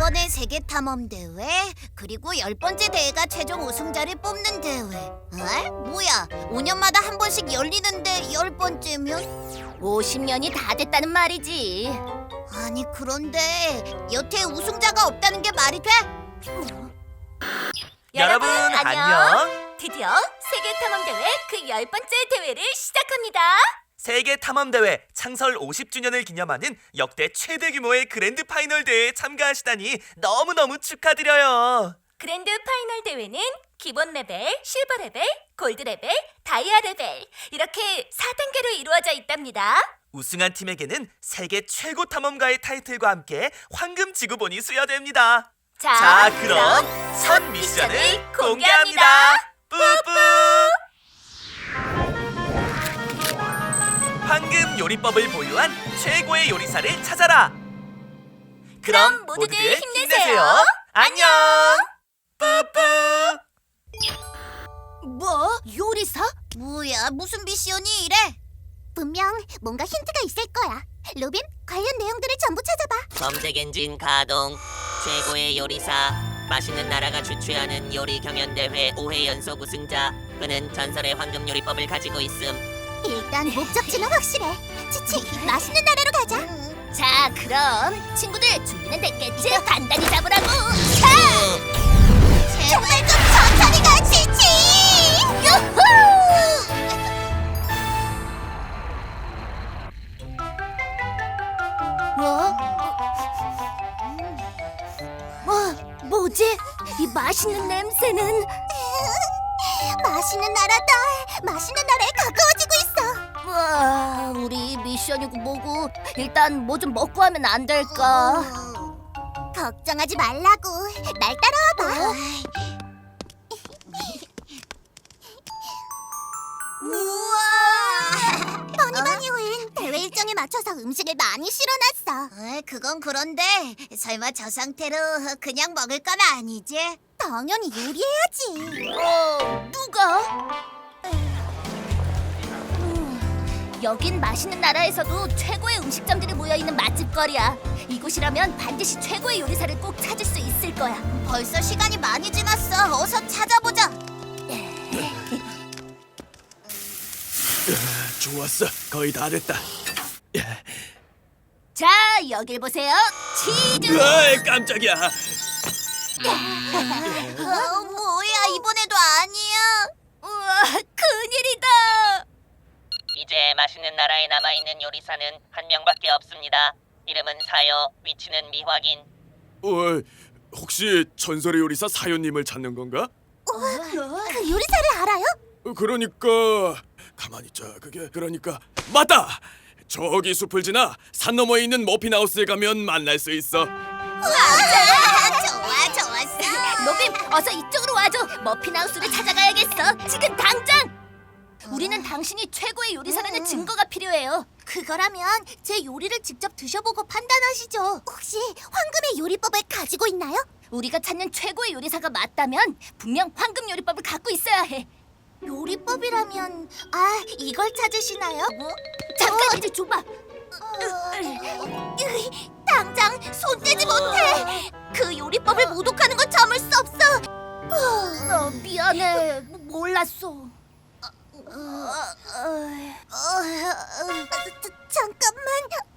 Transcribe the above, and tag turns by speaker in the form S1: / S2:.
S1: 이번에 세계 탐험 대회 그리고 10번째 대회가 최종 우승자를 뽑는 대회. 에? 뭐야? 5년마다 한 번씩 열리는데 10번째면?
S2: 50년이 다 됐다는 말이지.
S1: 아니 그런데 여태 우승자가 없다는 게 말이 돼?
S3: 여러분 안녕.
S2: 드디어 세계 탐험 대회 그 10번째 대회를 시작합니다.
S3: 세계 탐험 대회 창설 50주년을 기념하는 역대 최대 규모의 그랜드 파이널 대회에 참가하시다니 너무너무 축하드려요.
S2: 그랜드 파이널 대회는 기본 레벨, 실버 레벨, 골드 레벨, 다이아 레벨 이렇게 4단계로 이루어져 있답니다.
S3: 우승한 팀에게는 세계 최고 탐험가의 타이틀과 함께 황금 지구본이 수여됩니다. 자, 그럼 첫 미션을 공개합니다. 뿌뿌! 황금 요리법을 보유한 최고의 요리사를 찾아라.
S2: 그럼 모두들 힘내세요.
S3: 안녕. 뿌뿌.
S1: 뭐? 요리사? 뭐야? 무슨 미션이 이래?
S4: 분명 뭔가 힌트가 있을 거야. 로빈, 관련 내용들을 전부 찾아봐.
S5: 검색 엔진 가동. 최고의 요리사. 맛있는 나라가 주최하는 요리 경연대회 5회 연속 우승자. 그는 전설의 황금 요리법을 가지고 있음.
S4: 일단 목적지는 확실해. 치치, 맛있는 나라로 가자.
S2: 자, 그럼 친구들 준비는 됐겠지? 단단히 잡으라고.
S4: 정말 좀 천천히 가, 치치.
S2: 뭐지? 이 맛있는 냄새는?
S4: 맛있는 나라다. 맛있는 나라에 가까워지고 있어.
S2: 와, 우리 미션이고 뭐고 일단 뭐 좀 먹고 하면 안 될까?
S4: 걱정하지 말라고. 날 따라와봐.
S1: 우와!
S4: 버니버니 호엔 대회 일정에 맞춰서 음식을 많이 실어놨어.
S1: 그건 그런데 설마 저 상태로 그냥 먹을 건 아니지?
S4: 당연히 요리해야지.
S2: 누가? 여긴 맛있는 나라에서도 최고의 음식점들이 모여있는 맛집거리야. 이곳이라면 반드시 최고의 요리사를 꼭 찾을 수 있을 거야.
S1: 벌써 시간이 많이 지났어. 어서 찾아보자.
S6: 좋았어. 거의 다 됐다.
S2: 자, 여길 보세요. 치즈!
S6: 으이, 깜짝이야.
S1: 뭐야 이번에도 아니야.
S2: 우와, 큰일이다.
S5: 이제 맛있는 나라에 남아있는 요리사는 한 명밖에 없습니다. 이름은 사요, 위치는 미확인.
S6: 혹시 전설의 요리사 사연님을 찾는 건가?
S4: 그 요리사를 알아요?
S6: 그러니까 가만히 있자. 그러니까 맞다. 저기 숲을 지나 산 너머에 있는 머핀하우스에 가면 만날 수 있어.
S1: 좋았어.
S2: 로빈, 어서 이쪽으로 와줘. 머핀하우스를 찾아가야겠어. 지금 당장. 우리는 당신이 최고의 요리사라는 증거가 필요해요.
S4: 그거라면 제 요리를 직접 드셔보고 판단하시죠. 혹시 황금의 요리법을 가지고 있나요?
S2: 우리가 찾는 최고의 요리사가 맞다면 분명 황금 요리법을 갖고 있어야 해.
S4: 요리법이라면 이걸 찾으시나요?
S2: 잠깐 이제 줘봐.
S4: 당장 손 떼지 못해. 그 요리법을 모독하는 건 참을 수 없어.
S2: 미안해. 몰랐어.
S4: 잠깐만.